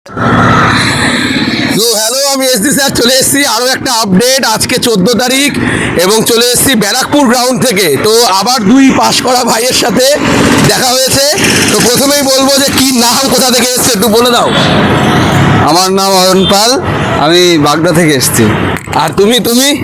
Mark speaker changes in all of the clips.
Speaker 1: তো হ্যালো, আমি SD sir চলে এসেছি আরও একটা আপডেট। আজকে 14 তারিখ এবং চলে এসেছি ব্যারাকপুর গ্রাউন্ড থেকে। তো আবার দুই পাশ করা ভাইয়ের সাথে দেখা হয়েছে। তো প্রথমেই বলবো যে কি নাম, কোথা থেকে এসছে একটু বলে দাও।
Speaker 2: আমার নাম অয়ন পাল, আমি বাগদা থেকে এসেছি।
Speaker 1: আর তুমি?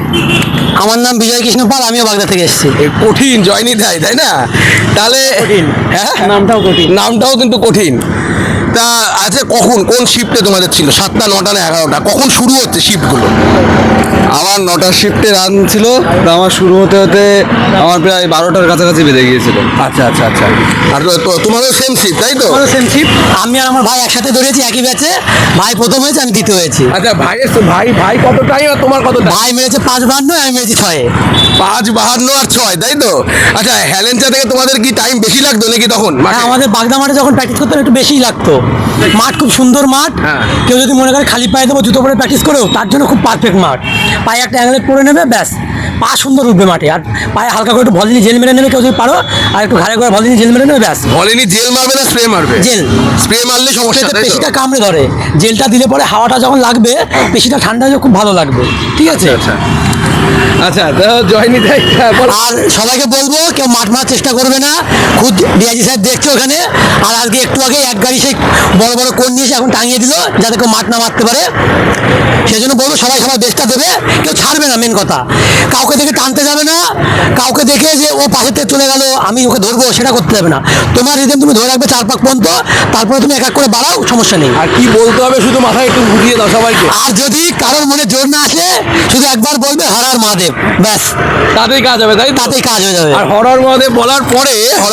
Speaker 3: আমার নাম বিজয় কৃষ্ণ পাল, আমিও বাগদা থেকে এসেছি।
Speaker 1: কঠিন জয়নি দেয়, তাই না? তাহলে হ্যাঁ,
Speaker 3: নামটাও কঠিন।
Speaker 1: নামটাও কিন্তু কঠিন। তা আচ্ছা, কোন শিফটে তোমাদের ছিল? 7টা, 9টা না 11টা? কখন শুরু হচ্ছে শিফটগুলো?
Speaker 2: আমার 9টার শিফটে রান ছিল, তো আমার শুরু হতে হতে আমার প্রায় 12টার কাছাকাছি বেজে গিয়েছিল।
Speaker 1: আচ্ছা। আর তোমারও সেম শিফট, তাই তো?
Speaker 3: Same shift. আমি আর আমার ভাই একসাথে দৌড়েছি একই ব্যাচে। ভাই প্রথম হয়েছে, আমি দ্বিতীয় হয়েছি।
Speaker 1: আচ্ছা, ভাই কত টাইম আর তোমার কত টাইম?
Speaker 3: ভাই মেরেছে 5.52, আমি মেরেছি 6-এ।
Speaker 1: 5.52 আর 6, তাই তো? আচ্ছা, হেলেঞ্চা থেকে তোমাদের কি টাইম বেশি লাগতো নাকি তখন?
Speaker 3: হ্যাঁ, আমাদের বাগদা মাঠে যখন প্র্যাকটিস করতাম একটু বেশিই লাগতো। মাঠ খুব সুন্দর মাঠ।
Speaker 1: হ্যাঁ।
Speaker 3: কেউ যদি মনে করে খালি পায়ে দেবো জুতো পরে প্র্যাকটিস করেও, তার জন্য খুব পারফেক্ট মাঠ। পায়ে একটা অ্যাঙ্গেল পরে নেবে, ব্যাস পা সুন্দর উঠবে মাঠে। আর পায়ে হালকা করে একটু ভলিনি জেল মেরে নেবে কেউ যদি পারো, আর একটু ঘাড়ে করে ভলিনি জেল মেরে নেবে, ব্যাস।
Speaker 1: বলেনি জেল মারবে না স্প্রে মারবে?
Speaker 3: জেল।
Speaker 1: স্প্রে মারলে সমস্যা, তাই তো?
Speaker 3: পেশিটা কামড়ে ধরে। জেলটা দিলে পরে হাওয়াটা যখন লাগবে, পেশিটা ঠান্ডা হয়ে খুব ভালো লাগবে। ঠিক আছে।
Speaker 1: আচ্ছা, তো জয়নি দেয়।
Speaker 3: আর সবাইকে বলবো, কেউ মাঠ মারার চেষ্টা করবে না। খুদ ডিআইজি স্যার দেখছে ওখানে। আর আজকে একটু আগে এক গাড়ি সেই বড় বড় কোণ নিয়ে এসে এখন টাঙিয়ে দিল, যাতে কেউ মাঠ না মারতে পারে। সেই জন্য বলবো সবাই সবার বেস্টটা দেবে, কেউ ছাড়বে না। মেন কথা, কাউকে দেখে টানতে যাবে না। কাউকে দেখে যে ও পাশে থেকে চলে গেল আমি ওকে ধরবো, সেটা করতে যাবে না। তোমার রিদেম তুমি ধরে রাখবে 4 পাক পর্যন্ত, তারপরে তুমি এক এক করে বাড়াও, সমস্যা নেই।
Speaker 1: আর কি বলতে হবে শুধু মাথায় একটু বুঝিয়ে দাও সবাইকে।
Speaker 3: আর যদি কারোর মনে জোর না আসে, শুধু একবার বলবে হর হর মহাদেব, ব্যাস
Speaker 1: তাতেই কাজ হবে, তাই তো?
Speaker 3: তাতেই কাজ হয়ে যাবে।
Speaker 1: আর হরর মহাদেব বলার পর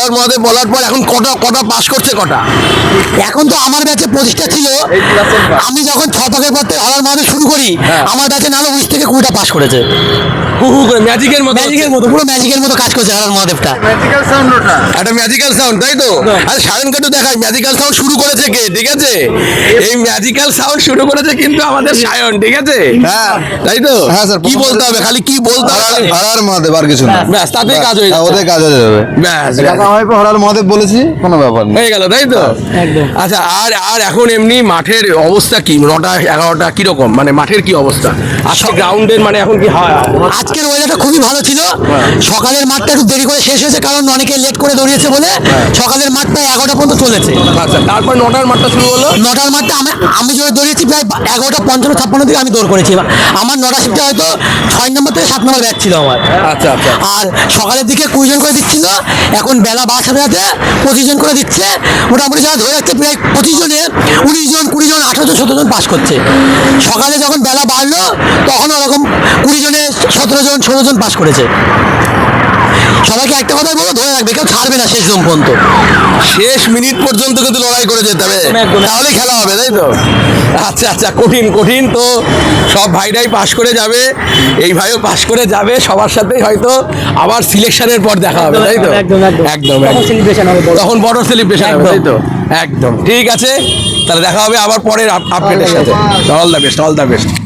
Speaker 1: এখন কটা পাস করছে কটা?
Speaker 3: এখন তো আমার ব্যাচে 25টা ছিল। আমি যখন 6 পাকের পর থেকে হরার মহাদেব শুরু করি, আমার ব্যাচে নাহলে 19 থেকে 20টা পাস করেছে।
Speaker 1: হু করে ম্যাজিকের মতো
Speaker 3: পুরো ম্যাজিকের মতো কাজ করছে হরার মহাদেবটা।
Speaker 2: ম্যাজিক্যাল সাউন্ড ওটা।
Speaker 1: একটা ম্যাজিক্যাল সাউন্ড, তাই তো? আর সায়নকে তো দেখায় ম্যাজিক্যাল সাউন্ড শুরু করেছে কে, ঠিক আছে? এই ম্যাজিক্যাল সাউন্ড শুরু করেছে কিন্তু আমাদের সায়ন, ঠিক আছে?
Speaker 2: হ্যাঁ,
Speaker 1: তাই তো?
Speaker 2: হ্যাঁ স্যার।
Speaker 1: কি বলতে হবে, খালি কি বলতে হবে?
Speaker 2: হরার মহাদেব, আর কিছু না।
Speaker 1: ব্যাস, তাতেই কাজ হয়ে
Speaker 2: হ্যাঁ,
Speaker 1: যাবে।
Speaker 2: ওদের কাজ হয়ে যাবে।
Speaker 1: ব্যাস,
Speaker 2: আমি হরার মহাদেব বলেছি, কোনো ব্যাপার নেই।
Speaker 1: হয়ে গেল, তাই তো?
Speaker 3: একদম।
Speaker 1: আচ্ছা, আর এখন এমনি মাঠের অবস্থা কি? 9টা 11টা কিরকম, মানে মাঠের কি অবস্থা আজকে গ্রাউন্ডের? মানে এখন কি হয়?
Speaker 3: আজকের ওয়েদারটা খুবই ভালো ছিল। সকালের মাঠটা একটু দেরি করে শেষ হয়েছে, কারণ অনেকে লেট করে দৌড়িয়েছে বলে। সকালের মাঠটা 11টা পর্যন্ত চলেছে।
Speaker 1: আচ্ছা, তারপর 9টার মাঠটা শুরু হলো।
Speaker 3: 9টার মাঠটা আমি যখন দৌড়িয়েছি প্রায় 11:55-56 দিকে আমি দৌড় করেছি। আমার 9টা শিফটে হয়তো 6 নম্বর থেকে 7 নম্বর ব্যাচ ছিল আমার।
Speaker 1: আচ্ছা।
Speaker 3: আর সকালের দিকে 20 জন করে দিচ্ছিল, এখন বেলা 12 সাথে 25 জন করে দিচ্ছে। মোটামুটি যারা ধরে রাখছে প্রায় 25 জনে 19 জন, 20 জন, 18 জন, 17 জন পাস করছে। সকালে যখন বেলা বাড়লো, তখন ওরকম 20 জনে 17 জন, 16 জন পাস করেছে। সবাইকে একটা কথাই বলবো, ধরে রাখবে, কেউ ছাড়বে না শেষ জন পর্যন্ত।
Speaker 1: শেষ মিনিট পর্যন্ত কিন্তু লড়াই করে যেতে হবে,
Speaker 3: একদম।
Speaker 1: তাহলেই খেলা হবে, তাই তো? আচ্ছা, কঠিন। তো সব ভাইরাই পাশ করে যাবে, এই ভাইও পাশ করে যাবে। সবার সাথেই হয়তো আবার সিলেকশনের পর দেখা হবে, তাই তো? একদম। তখন বড় সেলিব্রেশন হবে, তাই তো? একদম ঠিক আছে। তাহলে দেখা হবে আবার পরের আপডেটের সাথে। All the best.